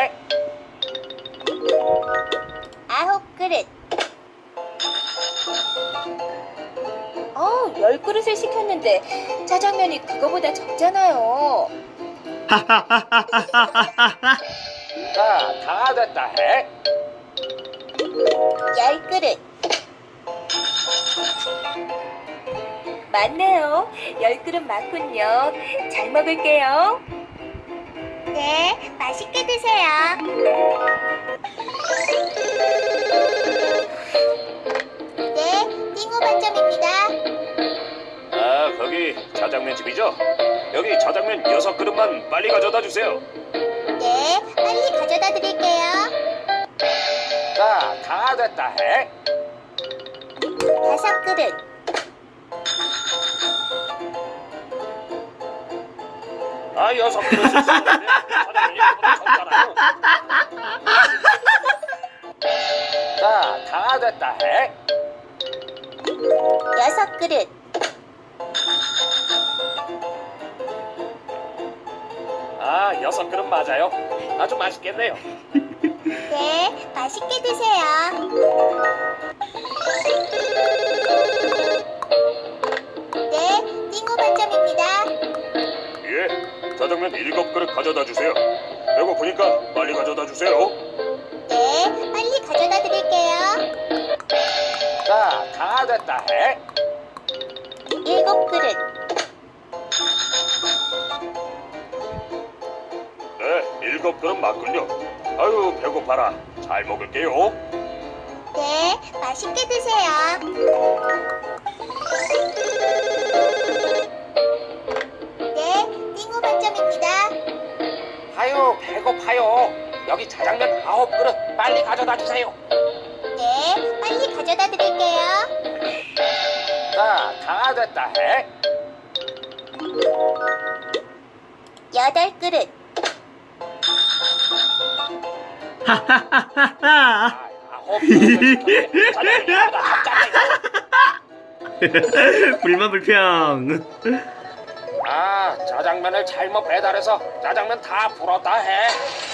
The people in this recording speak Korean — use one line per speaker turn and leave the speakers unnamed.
해?
9그릇.
10그릇을 시켰는데 짜장면이 그거보다 적잖아요.
자, 다 됐다 해?
10그릇.
맞네요. 10그릇 맞군요. 잘 먹을게요.
네, 맛있게 드세요. 네, 띵호 반점입니다.
아, 거기 짜장면 집이죠? 여기 짜장면 6그릇만 빨리 가져다 주세요.
네, 빨리 가져다 드릴게요.
자, 다 됐다 해?
5그릇.
아, 6그릇을 쓰는데 짜장면이 그보다 적잖아요. 자, 다 됐다 해?
6그릇.
아, 6그릇 맞아요. 아주 맛있겠네요.
네, 맛있게 드세요. 네, 띵호 반점입니다.
예, 짜장면 7그릇 가져다 주세요. 배고프니까 빨리 가져다 주세요.
네, 빨리 가져다 드릴게요.
자, 다 됐다 해?
7그릇.
네, 7그릇 맞군요. 아유, 배고파라. 잘 먹을게요.
네, 맛있게 드세요. 네, 띵호 반점입니다.
아유, 배고파요. 여기 짜장면 9그릇 빨리 가져다 주세요.
네, 빨리 가져다 드릴게요.
자, 다 됐다 해?
8그릇.
아, 9그릇을 시켰는데 짜장면이 보다 적잖아요.
불만 불평.
아, 짜장면을 잘못 배달해서 짜장면 다 불었다 해.